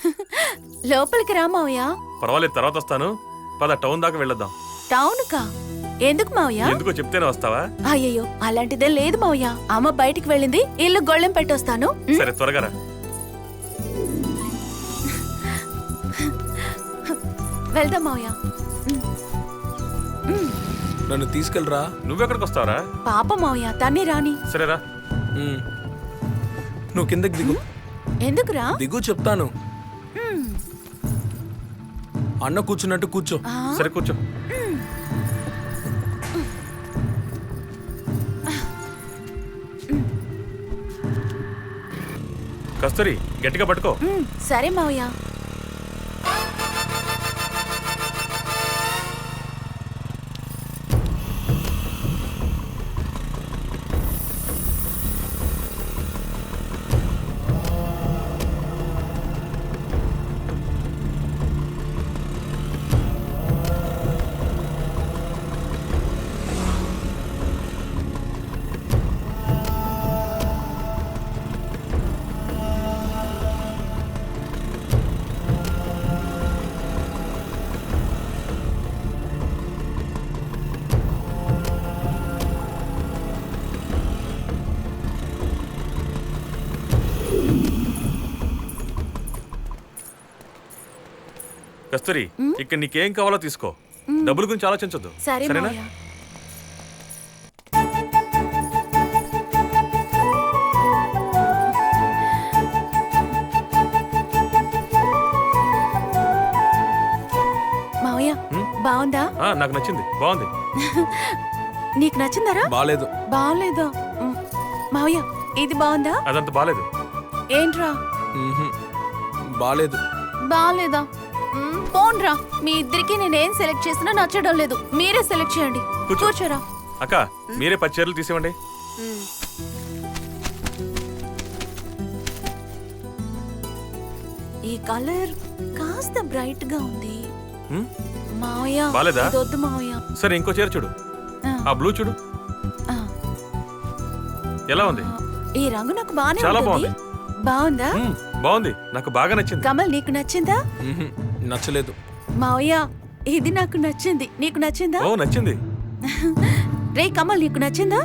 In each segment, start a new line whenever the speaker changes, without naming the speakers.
లోపలికి రా మావయ్య.
పర్వాలేదు, తర్వాత వస్తాను. పద టౌన్ దాకా వెళ్ళొద్దాం.
టౌన్ కా? ఎందుకు మావయ్య?
ఎందుకో చెప్తేనే వస్తావా?
అయ్యయ్యో, అలాంటిదే లేదు మావయ్య. అమ్మ బయటికి వెళ్ళింది, ఇల్లు గొళ్ళెం పెట్టొస్తాను.
సరే, త్వరగా రా.
వెళ్దాం మావయ్య.
నన్ను తీసుకెళ్ళరా.
నువ్వెక్కడికి వస్తావరా?
పాప మావయ్య, తన్ని రాని.
సరేరా.
నువ్వు కిందకి దిగు.
ఎందుకురా?
దిగు చెప్తాను. అన్న కూర్చున్నట్టు కూర్చో.
సరే, కూర్చో. కస్తూరి, గట్టిగా పట్టుకో.
సరే మావయ్య.
కస్తూరి, ఇక్కడ నీకేం కావాలో తీసుకో. డబ్బుల గురించి ఆలోచించొద్దు. సరేనా?
మావయ్య, బాగుందా?
నాకు నచ్చింది, బాగుంది.
నీకు నచ్చిందరా?
బాలేదు.
బాగలేదా? మావయ్య, ఇది బాగుందా?
అదంత బాలేదు.
ఏంట్రా?
బాలేదు.
బాగలేదా? పోన్రా, మీ ఇద్దరికి నేనేం సెలెక్ట్ చేసినా నచ్చడం లేదు. మీరే సెలెక్ట్ చేయండి. కూర్చోరా.
అక్క, మీరే 10 చీరలు తీసివ్వండి.
ఈ కలర్ కాస్త బ్రైట్ గా ఉంది మావయ్య.
బాలేదా?
వద్దు మావయ్య.
సరే, ఇంకో చీర చూడు. ఆ బ్లూ చూడు. ఎలా ఉంది?
ఈ రంగు నాకు బాగానే
చాలా
ఉంటుంది.
బాగుంది.
బాగుందా?
బాగుంది, నాకు బాగా నచ్చింది.
కమల్, నీకు నచ్చిందా?
నచ్చలేదు.
మావయ్య, ఇది నాకు నచ్చింది. నీకు నచ్చిందా?
ఓ, నచ్చింది.
రే కమల్, నీకు నచ్చిందా?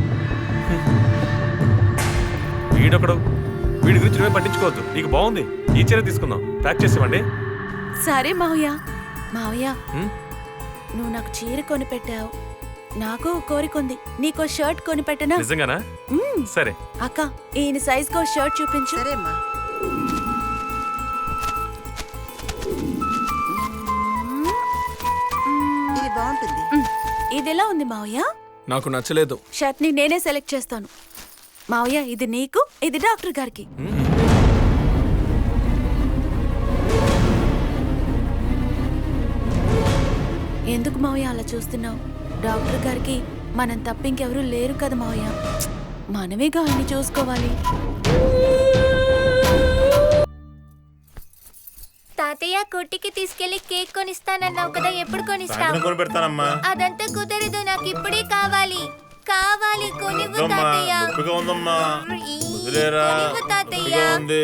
వీడొకడు, వీడి గురించి నువ్వే పట్టించుకోవద్దు. నీకు బాగుంది, ఈ చీర తీసుకుందాం. ప్యాక్ చేసేవండి.
సరే మావయ్య. మావయ్య, నువ్వు నాకు చీర కొని పెట్టావు, నాకు కోరిక ఉంది. నీకో షర్ట్ కొని పెట్టనా?
నిజంగానా? సరే
అక్క, ఈయన సైజ్ కో షర్ట్ చూపించు.
సరేమ్మా. ఇది బాగుంటుంది.
ఇది ఎలా ఉంది మావయ్య?
నాకు నచ్చలేదు.
షర్ట్ ని నేనే సెలెక్ట్ చేస్తాను. మావయ్య, ఇది నీకు, ఇది డాక్టర్ గారికి. ఎందుకు మావయ్య అలా చూస్తున్నావు? డాక్టర్ గారికి మనం తప్ప ఇంకెవరూ లేరు కదా మావయ్య. మనమేగా ఆయన్ని చూసుకోవాలి.
తాతయ్య, కొట్టికి తీసుకెళ్లి కేక్ కొనిస్తానన్నావు కదా, ఎప్పుడు కొనిస్తావు?
కొనిపెడతానమ్మా.
అదంతా కుదరదు, నాకు ఇప్పుడే కావాలి. కావాలి, కొనివ్వు తాతయ్య. కొనివ్వు తాతయ్య.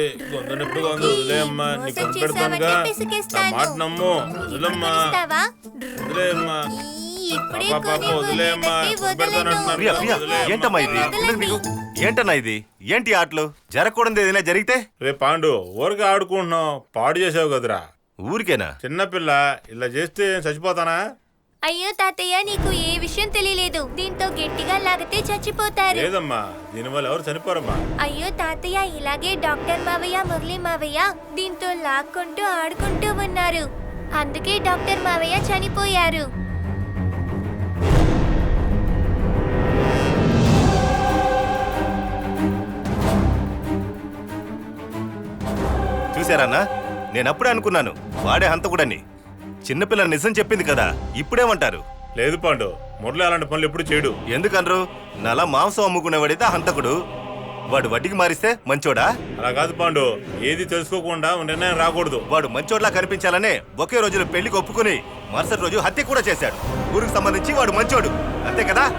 మోసం చేసావంటే పిసికేస్తాను. కొనిస్తావా? ఇప్పుడే కొనివ్వు, లేదంటే వదలను.
ప్రియా, ప్రియా, ఏంటమ్మా ఇది? ఏంటన్నా ఇది? ఏంటి ఆటలు? జరగకూడదు ఏదైనా జరిగితే?
రే పాండు, ఊరికే ఆడుకుంటున్నావు, పాడు చేసావు కదరా.
ఊరికేనా?
చిన్నపిల్ల ఇలా చేస్తే చచ్చిపోతానా?
అయ్యో తాతయ్య, నీకు ఏ విషయం తెలియలేదు. దీంతో గట్టిగా లాగితే చచ్చిపోతారు.
లేదమ్మా, దీనివల్ల ఎవరు చనిపోరమ్మా.
అయ్యో తాతయ్య, ఇలాగే డాక్టర్ మావయ్య, మురళి మావయ్య దీంతో లాక్కుంటూ ఆడుకుంటూ ఉన్నారు. అందుకే డాక్టర్ మావయ్య చనిపోయారు.
చూసారన్నా, నేనప్పుడే అనుకున్నాను వాడే హంతకుడని. చిన్నపిల్ల నిజం చెప్పింది కదా, ఇప్పుడేమంటారు?
లేదు పాండు, మురళి అలాంటి పనులు ఎప్పుడు చేయడు.
ఎందుకనరు? నలా మాంసం అమ్ముకునేవాడైతే హంతకుడు, వాడు వడ్డీకి మారిస్తే మంచోడా?
అలా కాదు పాండు, ఏది తెలుసుకోకుండా నిర్ణయం రాకూడదు.
వాడు మంచోడ్లా కనిపించాలనే ఒకే రోజులో పెళ్లికి ఒప్పుకుని మరుసటి రోజు హత్య కూడా చేశాడు. ఊరికి సంబంధించి వాడు మంచోడు, అంతే కదా?